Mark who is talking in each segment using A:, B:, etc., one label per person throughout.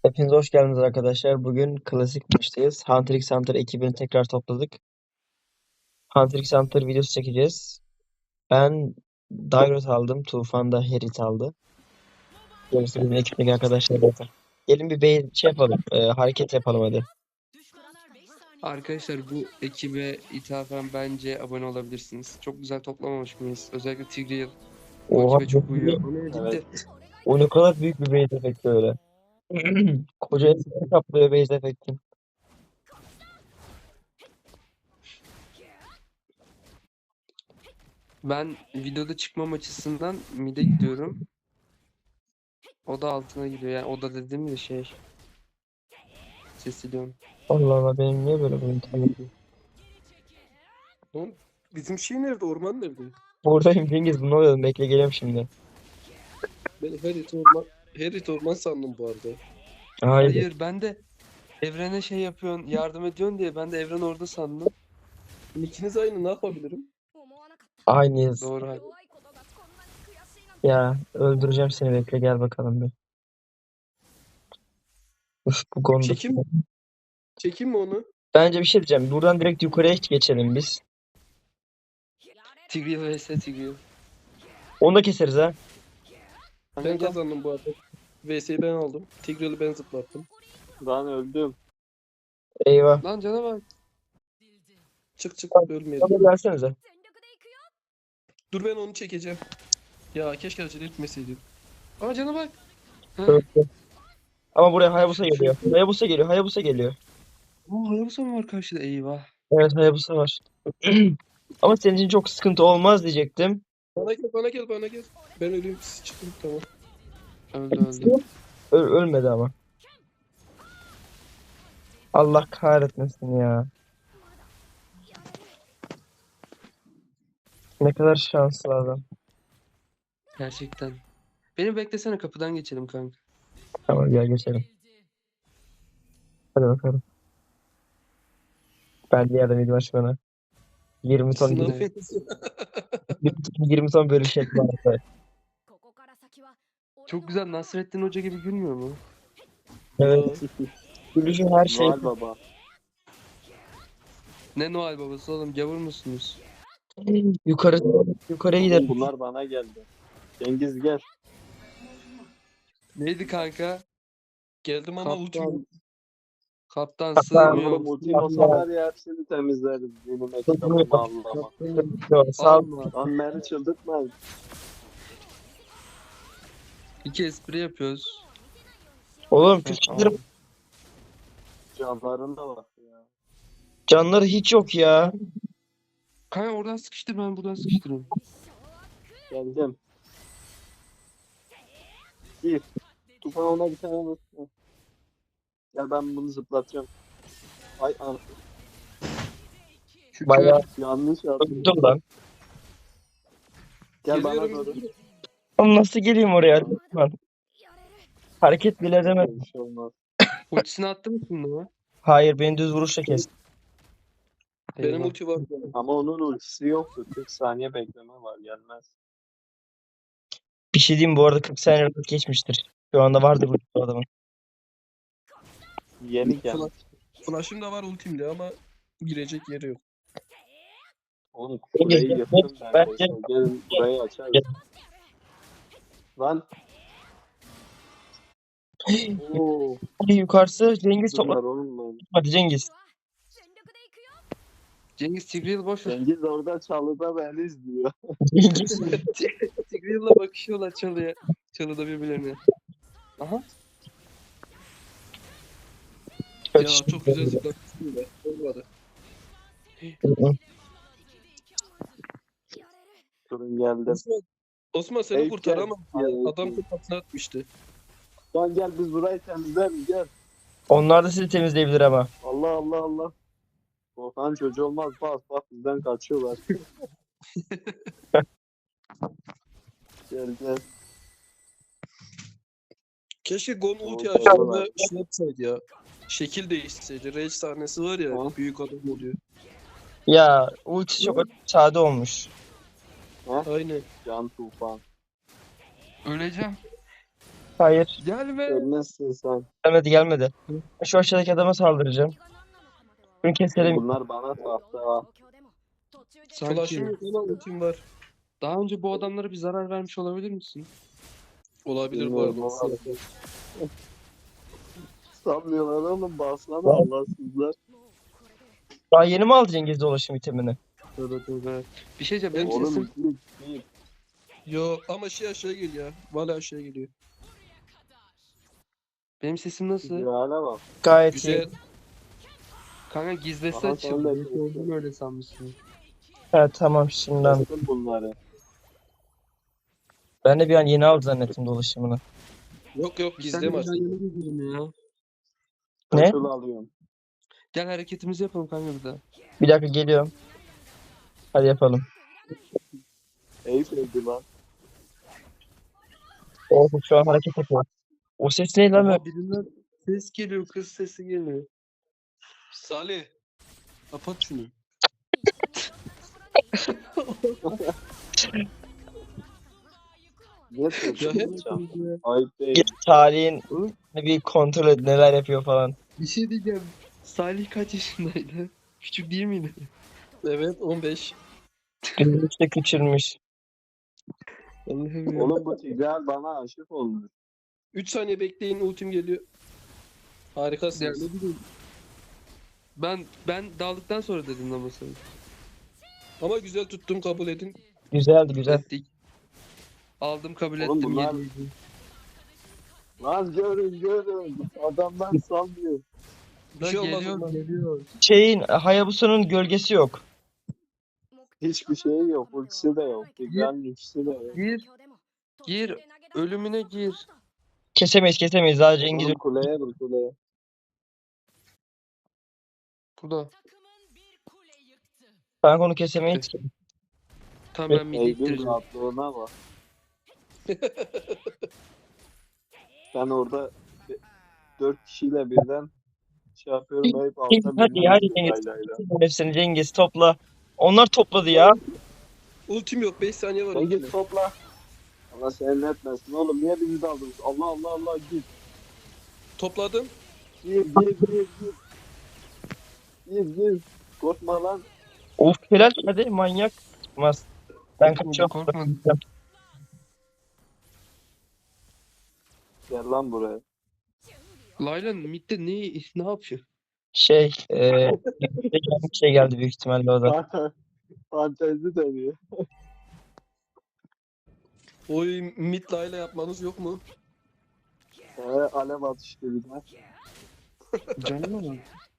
A: Hepiniz hoş geldiniz arkadaşlar. Bugün klasik maçtayız. Hunter x Hunter ekibini tekrar topladık. Hunter x Hunter videosu çekeceğiz. Ben Dairot aldım. Tufan da Herit aldı. Gerisi bizim ekipteki arkadaşlar da. Gelin bir yapalım. Hareket yapalım hadi.
B: Arkadaşlar bu ekibe ithafen bence abone olabilirsiniz. Çok güzel toplamamış mıyız? Özellikle Tigreal bu
A: Oha.
B: ekibe çok uyuyor.
C: Evet.
A: O ne kadar büyük bir base efekti öyle. Koca efekti kaplıyor base efekti.
B: Ben videoda çıkmam açısından mid'e gidiyorum. O da altına gidiyor. Yani o da dediğim de sesiliyorum.
A: Allah Allah, benim niye böyle bu internetim?
C: Oğlum bizim şey nerede? Orman nerede?
A: Buradayım Cengiz, ne oluyor? Bekle, geliyorum şimdi.
C: Ben Herit orman sandım bu arada.
A: Hayır.
B: Hayır, ben de Evren'e yapıyorsun, yardım ediyorsun diye ben de Evren orada sandım.
C: İkiniz aynı, ne yapabilirim?
A: Aynıyız.
B: Doğru abi.
A: Ya öldüreceğim seni, bekle, gel bakalım bir. Uf, bu konuda.
C: Çekeyim mi onu?
A: Bence bir şey diyeceğim. Buradan direkt yukarıya geçelim biz.
B: Tigreal vs Tigreal.
A: Onu da keseriz ha.
C: Ben kazandım bu arada. VS'yi ben aldım. Tigreal'ı ben zıplattım.
D: Ben öldüm.
A: Eyvah.
B: Lan cana bak.
C: Çık
A: Hadi
C: ölmeyelim.
A: gelsenize.
C: Dur ben onu çekeceğim. Ya keşke acele etmeseydim.
B: Aa, cana bak.
A: Öldü. Ama buraya Hayabusa geliyor. Hayabusa geliyor. Hayabusa geliyor.
B: Aa, Hayabusa mı var karşıda? Eyvah.
A: Evet, Hayabusa var. Ama senin için çok sıkıntı olmaz diyecektim.
C: Bana gel. Ben öleyim, siz çıkın, tamam.
B: Öldü.
A: Ölmedi ama. Allah kahretmesin ya. Ne kadar şanslı adam.
B: Gerçekten. Beni beklesene, kapıdan geçelim kanka.
A: Tamam, gel geçelim. Hadi bakalım. Ben de yardım edeyim bana. 20 ton
C: Sınav
B: Evet.
A: 20 ton bölüşecek var.
B: Çok güzel, Nasrettin Hoca gibi gülmüyor mu?
A: Evet. Bölüşü her şey.
D: Noel Baba.
B: Ne Noel babası oğlum, gavur musunuz?
A: Yukarıya
D: Oğlum
A: gidelim.
D: bunlar bana geldi. Cengiz gel.
B: Neydi kanka?
C: Geldim ama ultim yok.
B: Kaptan
A: Kaptan.
B: sığmıyor.
D: Oğlum ultim olsa var ya hepsini temizleriz. Benim ekitabımı Allah'ıma.
A: Sağ ol.
B: Alma.
D: Lan beni çıldırtmayın.
B: İki espri yapıyoruz.
A: Oğlum küçüklerim
D: Canlarına bak ya.
A: canları hiç yok ya.
B: Kanka oradan sıkıştır, ben buradan sıkıştırayım.
D: Geldim. Gir. Tufan ona bir tane vur. Ya ben bunu zıplatacağım. Ay an.
B: Şükür.
A: Bayağı
D: Yanlış yaptım.
A: öldüm lan.
D: Gel bana
C: Geliyorum.
D: doğru.
A: Oğlum nasıl geleyim oraya? Lütfen. Hareket bile edemedim.
D: Bir şey olmaz.
B: Ultisini attı mı şimdi o?
A: Hayır, beni düz vuruşla kes.
C: Benim
B: Eyvah.
C: ulti var.
D: Ama onun ultisi yoktu. 40 saniye bekleme var gelmez.
A: Bir şey diyeyim, bu arada 40 saniye geçmiştir. Şu anda vardır bu adamın.
D: Yeni geldi.
C: Flash'ım da var ultimde ama girecek yeri yok.
D: Oğlum kuleyi yıktım
A: Bence-
D: neredeyse. Gelin burayı açarız.
A: Gel.
D: Lan. Oo.
A: Hadi yukarısı Cengiz
D: Bunlar
A: topla.
D: oğlum lan.
A: Hadi Cengiz.
B: Cengiz Tigreal boş ver.
D: Cengiz orada çalıda beni izliyor.
A: Cengiz.
B: Tigreal'la bakışıyorlar çalıya. Çalıda birbirlerine. Aha.
C: Ya çok güzel zıplattım da olmadı.
D: Durun geldim.
C: Osman seni
D: Eyüp,
C: kurtaramam
D: gel.
C: ya.
D: Ay,
C: Adam kafasına atmıştı.
D: Lan gel biz burayı temizleyelim gel.
A: Onlar da sizi temizleyebilir ama.
D: Allah Allah Allah. Korkan çocuğu olmaz bak bizden kaçıyorlar. Gel.
C: Keşke Gon ulti
D: Oldu,
C: açtığında
D: oldu.
C: şey yapsaydı ya. Şekil değişseydi. Rage sahnesi var ya.
D: Ha?
C: Büyük adam oluyor.
A: Ya ultisi çok sade olmuş.
C: Aynen.
D: Can Tufan.
B: Öleceğim.
A: Hayır.
B: Gelme.
D: Ölmezsin sen.
A: Gelmedi. Şu aşağıdaki adama saldıracağım. Bunu keselim.
D: Bunlar bana tahta ha.
C: Flash'ım
B: Sanki
C: yok ama ultim var.
B: daha önce bu adamlara bir zarar vermiş olabilir misin?
C: Olabilir bu
D: Bilmiyorum
C: arada.
D: ama. Sanmıyorlar oğlum, bassana Allahsızlar.
A: Daha yeni mi aldın Cengiz dolaşım itemini?
B: Tövbe tövbe. Bir şey diyeceğim. Benim
D: Oğlum
B: sesim
D: git.
C: Yo ama şey aşağı geliyor. Valla aşağı geliyor.
B: benim sesim nasıl?
D: Güzel'e bak.
A: Gayet iyi.
C: Güzel.
B: Kanka gizlesi
D: Aha, sen
B: açıldı.
D: de
B: Belki
D: kestin.
B: olduğunu öyle sanmışsın.
A: Evet tamam şimdiden.
D: Kestim bunları.
A: Ben de bir an yeni aldı zannettim dolaşımını.
C: Yok yok
B: Sen
C: gizli
B: de
C: maç.
B: ben yana gidelim ya.
A: Ne?
D: Kaçıl alıyorum.
B: Gel hareketimizi yapalım kanka bir daha.
A: Bir dakika geliyorum. Hadi yapalım.
D: Eyüp öldü lan.
A: Oh şu an hareket yapıyor. O ses ne lan?
B: Ama birinden ses geliyor. Kız sesi geliyor.
C: Salih. Kapat şunu.
D: Ne
C: Ya
D: tutacağım?
C: hep
D: Ayıp değil.
A: Bir tarihin bir kontrol et neler yapıyor falan.
B: Bir şey diyeceğim. Salih kaç yaşındaydı? Küçük değil miydi?
C: evet 15.
A: Gözümüzde küçülmüş.
B: Allah'ım ya.
D: Oğlum bu Tigreal bana aşık olmuş.
C: 3 saniye bekleyin ultim geliyor.
B: Ya
C: Harikasınız.
B: ne bileyim. Ben daldıktan sonra dedim ama sana.
C: Ama güzel tuttum kabul edin.
A: Güzeldi güzel.
B: Ettik. Aldım kabul
D: Oğlum
B: ettim.
D: bunlar-
B: Yedi.
D: Lan görün. Adamlar sallıyor.
C: Bir şey olmaz
B: Geliyor
C: ondan.
B: geliyor.
A: Şeyin Hayabusa'nın gölgesi yok.
D: Hiçbir şey yok. Ultisi de yok. Tigreal'in ultisi de yok.
B: Gir. Ölümüne gir.
A: Kesemeyiz. Daha Cengiz
D: Oğlum kuleye vur kuleye.
B: Burada.
A: kanka onu kesemeyiz ki.
B: Tamam ben midi
D: Eyüp'ün
B: ittireceğim.
D: rahatlığına bak. Ben orada 4 kişiyle birden şey yapıyorum. Eyüp altta
A: Hadi
D: birini
A: hadi
D: öldürüyor
A: Cengiz.
D: laylayla.
A: Hepsini Cengiz topla. Onlar topladı ya.
C: Ultim yok 5 saniye var.
D: Sen
C: ultime.
D: git topla. Allah seni etmesin oğlum. Niye bizi de aldınız? Allah git.
C: Topladım.
D: Gir. Gir. Korkma lan.
A: Of helal hadi manyak. Çıkmaz. Ben kaçıyorum.
B: Korkma.
D: Gel lan buraya.
B: Layla midde ne yapıyor?
A: Bir şey geldi büyük ihtimalle o da.
D: Fantezi dönüyor.
C: Oy mid layla yapmanız yok mu?
D: Alev atıştı bir de.
B: Canım ama.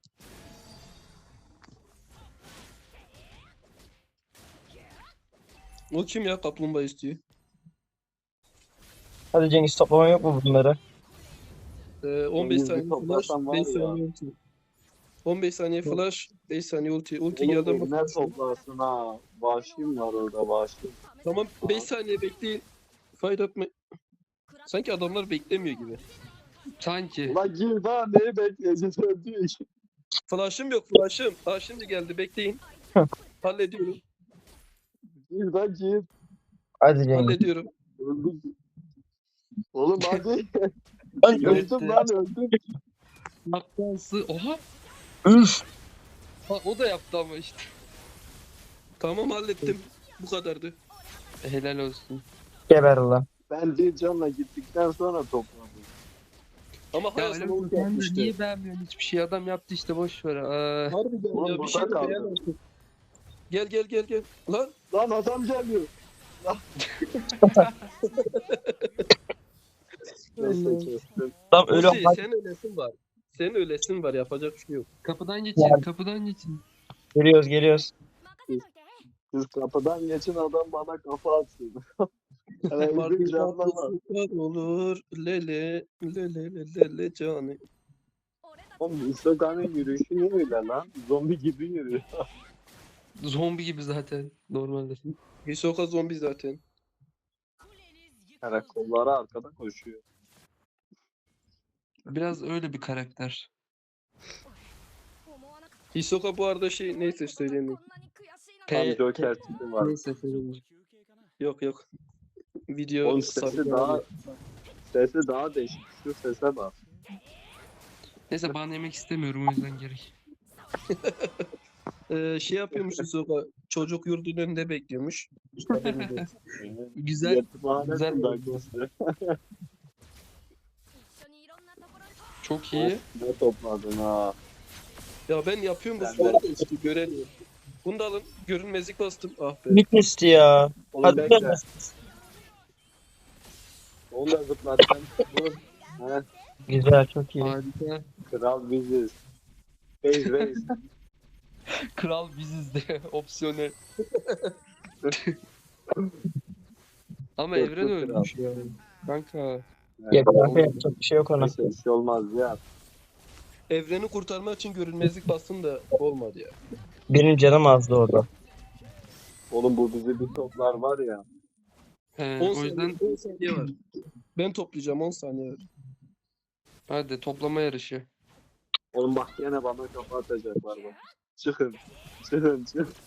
C: O kim ya kaplumbağa istiyor?
A: Hadi Cengiz toplaman yok mu bunları?
C: 15
D: Yüzü
C: saniye flash,
D: toplasam var
C: 5
D: ya.
C: saniye ulti. 15 saniye flash, 5 saniye ulti. Ulti
D: Oğlum
C: geldi
D: eline
C: ama.
D: toplarsın ha. Vahşim var orada vahşim.
C: Tamam 5 saniye bekleyin. Fight up Sanki adamlar beklemiyor gibi.
B: Sanki.
D: Ulan gir daha neyi bekleyeceğiz öldüğü için.
C: Flash'ım yok flash'ım. Aa şimdi geldi bekleyin. Hallediyorum.
D: Gir.
A: Hadi Cengiz.
C: Hallediyorum.
D: Öldüm. Oğlum hadi.
A: Lan
D: öldüm lan öldüm.
B: Aptalsı. Oha.
A: üf.
B: Ha, o da yaptı ama işte.
C: Tamam hallettim. Bu kadardı.
B: Helal olsun.
A: Geber ulan.
D: Ben bir canla gittikten sonra topladım.
C: Ama
B: Ya
C: hayatım
B: öyle
C: ulti
B: sen
C: yaptı
B: de
C: işte.
B: niye beğenmiyorsun hiçbir şey? Adam yaptı işte boş ver.
C: Harbiden
D: Oğlum
C: ya bir
D: burada
C: şey de
D: kaldı.
C: beğen artık. Gel. Lan
D: Lan adam geliyor. Neyse kestim.
A: Tam öyle
C: Ozi sen ölesin var. Senin ölesin var yapacak bir şey yok.
B: Kapıdan geçin, kapıdan geçin.
A: geliyoruz.
D: Siz kapıdan geçin adam bana kafa atsın. Evet, bir canla var.
C: Martılar olur lele canı.
D: Oğlum Instagram'ın yürüyüşü niye öyle lan? Zombi gibi yürüyor.
B: Zombi gibi zaten normalde.
C: Hisoka zombi zaten.
D: Yani kolları arkada koşuyor.
B: Biraz öyle bir karakter.
C: Hisoka bu arada şey neyse söyleyeyim.
D: Tam Joker tipi var.
B: Neyse söyleyeyim.
C: Yok. Video
D: Onun sesi
C: sarı
D: daha
C: yani.
D: Sesi daha değişik. Şu sese bak.
B: Neyse ban yemek istemiyorum o yüzden gerek.
C: Şey yapıyormuş Yusuf'a. Çocuk yurdun önünde bekliyormuş. Haberiniz olsun. Güzel.
D: Yetimhanesin
B: güzel.
D: dakikası.
B: Çok iyi.
D: Ne topladın ha?
C: Ya ben yapıyorum bu
D: Ben de.
C: sporu da işte göremiyorum. Bunu da alın. Görünmezlik bastım. Ah be.
A: Bitmişti ya.
D: Oğlum
A: Hadi
D: bekle.
A: biraz.
D: Onu da zıplatacağım. Vur. He,
A: Güzel, çok iyi.
B: Harika.
D: kral biziz. Reis.
B: Kral biziz de opsiyonel. Ama
D: Dörtlü
B: Evren
D: kral.
B: ölmüş ya. Kanka.
A: Ya kanka yapacak bir şey yok ona.
D: Neyse bir şey olmaz ya.
C: Evreni kurtarmak için görünmezlik bastım da olmadı ya.
A: Benim canım azdı orada.
D: Oğlum bu bizi bir toplar var ya.
C: 10
B: O
C: saniye,
B: yüzden
C: 10 saniye var. Ben toplayacağım 10 saniye var.
B: hadi toplama yarışı.
D: Oğlum bak gene bana kafa atacaklar bak. Çıkın. Çıkın.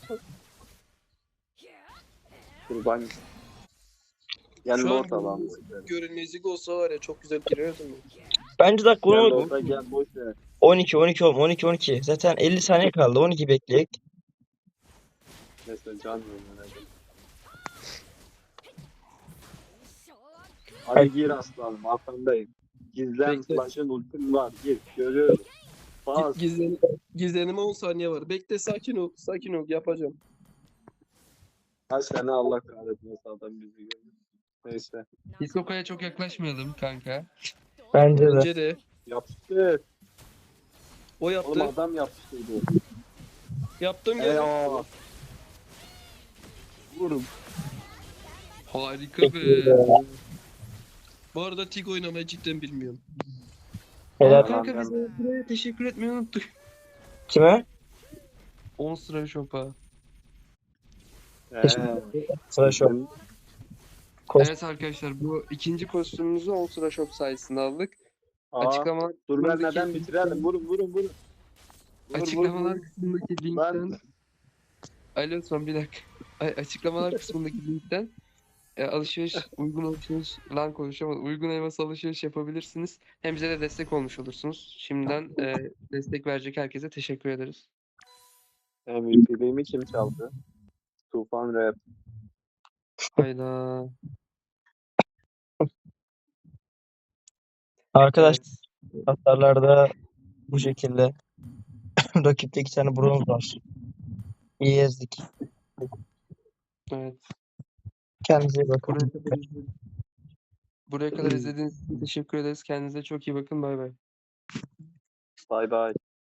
D: Kurban. Gel
C: Şu an
D: not alalım.
C: görünmezlik olsa var ya çok güzel girerdim.
A: Bence dakika
D: Gel
A: 12,
D: orada gel boş ver.
A: 12. Zaten 50 saniye kaldı. 12 bekleyek.
D: Neyse can verin. Hadi gir aslanım arkandayım. Gizlen
C: Bekle.
D: flash'ın ultim var. Gir. Görüyorum. Bas.
C: Gizlenime 10 saniye var. Bekle sakin ol. Sakin ol yapacağım.
D: Kaç tane Allah kahretmesin adam bizi görüyor. Neyse.
B: Hisoko'ya çok yaklaşmayalım kanka.
A: Bence de.
C: Bence de.
D: Yaptı.
C: O
D: Oğlum
C: yaptı.
D: adam yapıştırdı.
C: Yaptım ya.
D: Eyvah. Vurum.
B: Harika
A: Peki,
B: be.
C: Bu arada Tig oynamayı cidden bilmiyorum.
A: Helal.
B: Aa, kanka biz buraya teşekkür etmeyi unuttuk.
A: Kime?
B: 10 sıra şopa.
A: Sıra şu. Kos-
B: Evet arkadaşlar bu ikinci kostümümüzü 10 sıra şop sayesinde aldık.
D: Aa,
B: Açıklama
D: dur vermeden bitirelim. Vurun.
B: açıklamalar
D: Vur.
B: kısmındaki
D: Ben
B: linkten Alo son bir dakika. Açıklamalar kısmındaki linkten uygun alışveriş lan konuşamadım. Uygun elmas alışveriş yapabilirsiniz. Hem bize de destek olmuş olursunuz. Şimdiden destek verecek herkese teşekkür ederiz.
D: MVP'liğimi kim çaldı? Tufan Rap.
B: Hayda.
A: Arkadaş
B: Evet.
A: hasarlarda bu şekilde. Rakipte 2 tane bronz var. İyi ezdik.
B: Evet.
A: Kendinize iyi bakın.
B: Buraya kadar izlediğiniz için teşekkür ederiz. Kendinize çok iyi bakın. Bay bay.
D: Bay bay.